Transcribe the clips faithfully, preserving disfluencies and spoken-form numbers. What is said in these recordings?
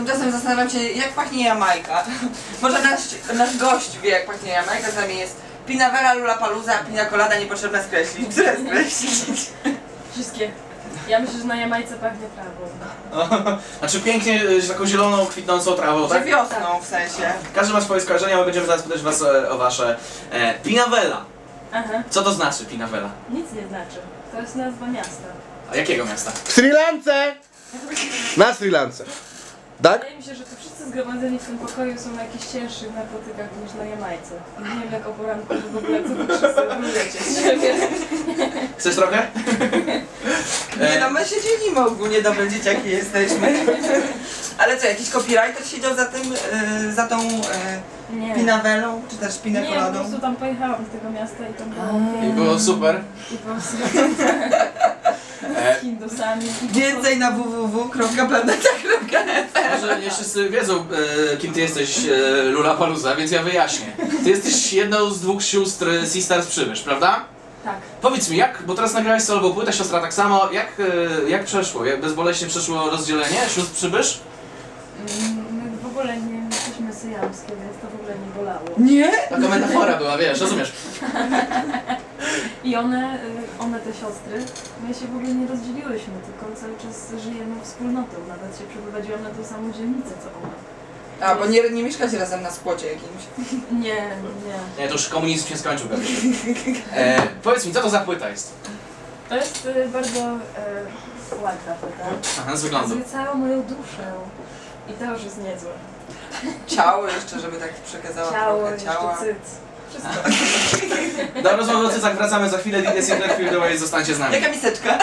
Tymczasem zastanawiam się, jak pachnie Jamajka. Może nasz, nasz gość wie, jak pachnie Jamajka, z nami jest Pinawela, Lollapalooza, Pina Colada, niepotrzebne skreślić. Które skreślić? Wszystkie. Ja myślę, że na Jamajce pachnie trawą. Znaczy pięknie, z taką zieloną, kwitnącą trawą, Że tak? wiosną w sensie. Każdy ma swoje skojarzenia, my będziemy zaraz pytać was e, o wasze. E, Pinawela. Aha. Co to znaczy Pinawela? Nic nie znaczy. To jest nazwa miasta. A jakiego miasta? W Sri Lance! Na Sri Lance. Tak? Wydaje mi się, że to wszyscy zgromadzeni w tym pokoju są na jakichś cięższych narkotykach niż na Jamajce. Nie wiem jak o poranku, że w ogóle co wy wszyscy lecieć. Chcesz trochę? Nie no, my się dzielimy ogólnie, dobre dzieciaki jesteśmy. Ale co, jakiś copywriter siedział za tym, yy, za tą yy, Nie. Pinawelą, czy też Pina Nie, po Coladą? prostu tam pojechałam z tego miasta i tam było I pięknie. było super. I po prostu E, z Hindusami. Więcej na w w w kropka planeta kropka f m. Może nie wszyscy wiedzą, e, kim ty jesteś, e, Lollapalooza, więc ja wyjaśnię. Ty jesteś jedną z dwóch sióstr e, Sisters Przybysz, prawda? Tak. Powiedz mi, jak, bo teraz nagrałeś solową płytę, siostra tak samo, jak, e, jak przeszło? Jak bezboleśnie przeszło rozdzielenie sióstr Przybysz? Mm, My w ogóle nie jesteśmy syjamskie, więc to w ogóle nie bolało. Nie? Taka metafora była, wiesz, rozumiesz? I one, y, one te siostry, my się w ogóle nie rozdzieliłyśmy, tylko cały czas żyjemy wspólnotą. Nawet się przeprowadziłam na tą samą dzielnicę co ona. A, bo nie, nie mieszkacie razem na spłocie jakimś. Nie, nie. Nie, to już komunizm się skończył, pewnie. E, powiedz mi, co to za płyta jest? To jest y, bardzo y, ładna płyta. Aha, z wyglądu. Pokazuje całą moją duszę. I to już jest niezłe. Ciało jeszcze, żeby tak przekazała Ciało, trochę jeszcze ciała. cyc. Wszystko. Do rozmowy o cycach wracamy za chwilę, D C Clearfield Away, zostańcie z nami. Jaka miseczka?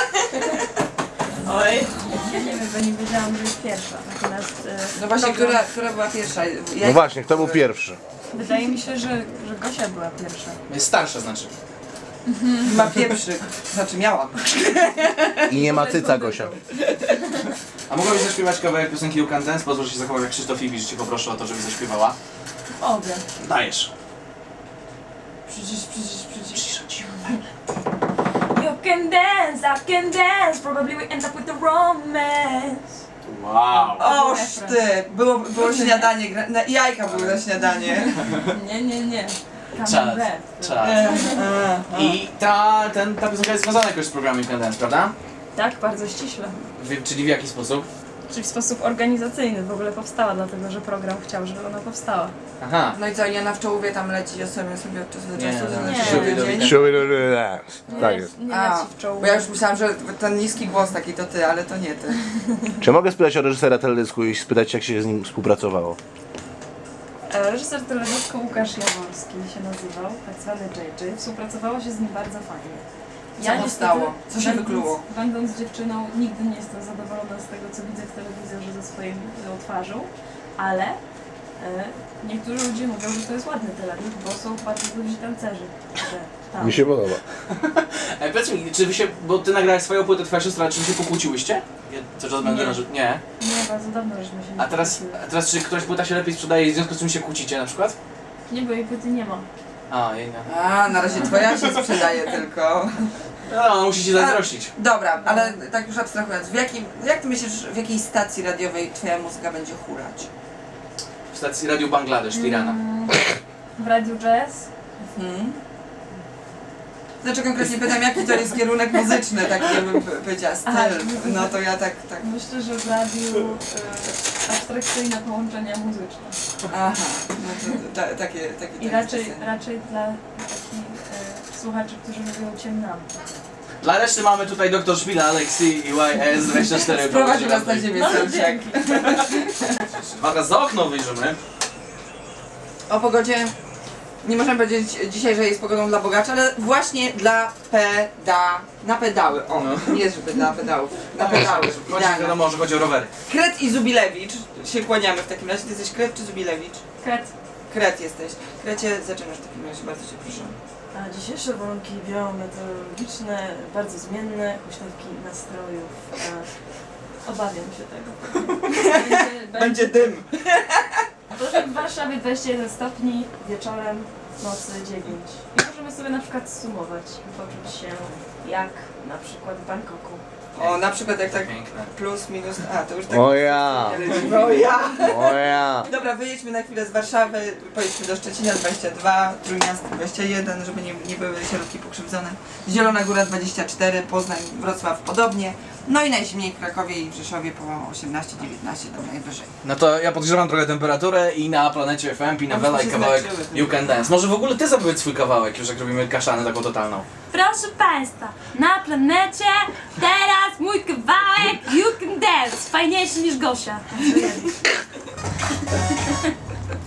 Oj. Ja nie wiem, bo nie wiedziałam, że jest pierwsza. Natomiast y, No właśnie, program- która, która była pierwsza? Ja, No właśnie, kto był pierwszy? Wydaje mi się, że, że Gosia była pierwsza. Jest starsza znaczy. Ma pierwszy, znaczy miała. I nie ma cyca, Gosia. A mogłabyś zaśpiewać kawałek piosenki You Can Dance? Pozwól, że się zachował jak Krzysztof Iwicz, cię poproszę o to, żebyś zaśpiewała. Obie. Dajesz. Przecież, przecież, przecież. You can dance, I can dance, probably we end up with the romance. Wow. Oż ty! Było, było śniadanie, gra- na, jajka były na śniadanie. Nie, nie, nie. Czas, Camembert. czas. I ta, ten, ta piosenka jest związana jakoś z programem You Can Dance, prawda? Tak, bardzo ściśle. W, czyli w jaki sposób? Czyli w sposób organizacyjny w ogóle powstała, dlatego że program chciał, żeby ona powstała. Aha. No i co, ja na w czołówie tam leci, ja sobie, sobie od czasu do Nie, czasu, no, to nie. znaczy Siódmy siódmy do dzień. Show it or dance. Tak jest. Nie A, leci w czołówkę. bo ja już myślałam, że ten niski głos taki to ty, ale to nie ty. Czy mogę spytać o reżysera teledysku i spytać, jak się z nim współpracowało? E, Reżyser teledysku Łukasz Jaworski się nazywał, tak zwany J J. Współpracowało się z nim bardzo fajnie. Co powstało? Co się będąc- wykluło? Będąc dziewczyną, nigdy nie jestem zadowolona z tego, co widzę w telewizorze ze swoją e, twarzą, ale e, niektórzy ludzie mówią, że to jest ładny teledysk, bo są bardzo dobrzy tancerzy. Że tam. Mi się podoba. E, powiedz mi, czy wy się, bo ty nagrałeś swoją płytę, twoja siostra, czy wy się pokłóciłyście? Ja cały czas będę Nie. na że... Nie. Nie, bardzo dawno żeśmy się nie A teraz, kłóciły. a teraz czy któraś płyta się lepiej sprzedaje i w związku z czym się kłócicie na przykład? Nie, bo jej płyty nie ma. A, jej nie. A, na razie twoja się sprzedaje tylko. No, musi się zazdrościć. Dobra, ale tak już abstrahując, w jakim, jak ty myślisz, w jakiej stacji radiowej twoja muzyka będzie hurać? W stacji Radio Bangladesz, Tirana. Mm, w Radiu Jazz. Hmm? Znaczy konkretnie pytam, jaki to jest kierunek muzyczny, taki jakby powiedziała, Aha, styl. No to ja tak, tak. Myślę, że w radiu e, abstrakcyjne połączenia muzyczne. Aha, no to, ta, takie, takie. I takie raczej, piosenki. raczej dla takich e, słuchaczy, którzy lubią ciemnamki. Dla reszty mamy tutaj doktor Szpila, Alexi i Y S dwadzieścia cztery. Sprowadził nas na ziemię, No, Serciak. dzięki. Dwa razy za okno wyjrzymy. O pogodzie nie możemy powiedzieć dzisiaj, że jest pogodą dla bogaczy, ale właśnie dla peda... na pedały. O, No. nie żeby dla pedałów, na pedały. Chodzi, Idealnie. wiadomo, że chodzi o rowery. Kret i Zubilewicz się kłaniamy w takim razie. Ty jesteś Kret czy Zubilewicz? Kret. Kret jesteś. Krecie, zaczynasz w takim razie, bardzo cię proszę. A dzisiejsze warunki biometeorologiczne, bardzo zmienne, huśtawki nastrojów. E, obawiam się tego. Będzie, Będzie dym. Proszę, w Warszawie dwadzieścia jeden stopni, wieczorem, nocy dziewięć. I możemy sobie na przykład sumować i poczuć się jak na przykład w Bangkoku. O, na przykład jak tak Piękne. plus, minus, a to już tak... O ja, O ja! o ja. Dobra, wyjedźmy na chwilę z Warszawy, pojedźmy do Szczecina dwadzieścia dwa, Trójmiasto dwadzieścia jeden, żeby nie, nie były środki pokrzywdzone. Zielona Góra dwadzieścia cztery, Poznań, Wrocław podobnie. No i najzimniej w Krakowie i w Rzeszowie po osiemnaście dziewiętnaście tam najwyżej. No to ja podgrzewam trochę temperaturę i na Planecie F M Pinawela i się kawałek znaczyły, You Can Dance. Może w ogóle ty zapowiedz swój kawałek, już jak robimy kaszanę taką totalną. Proszę Państwa, na planecie teraz mój kawałek You Can Dance. Fajniejszy niż Gosia.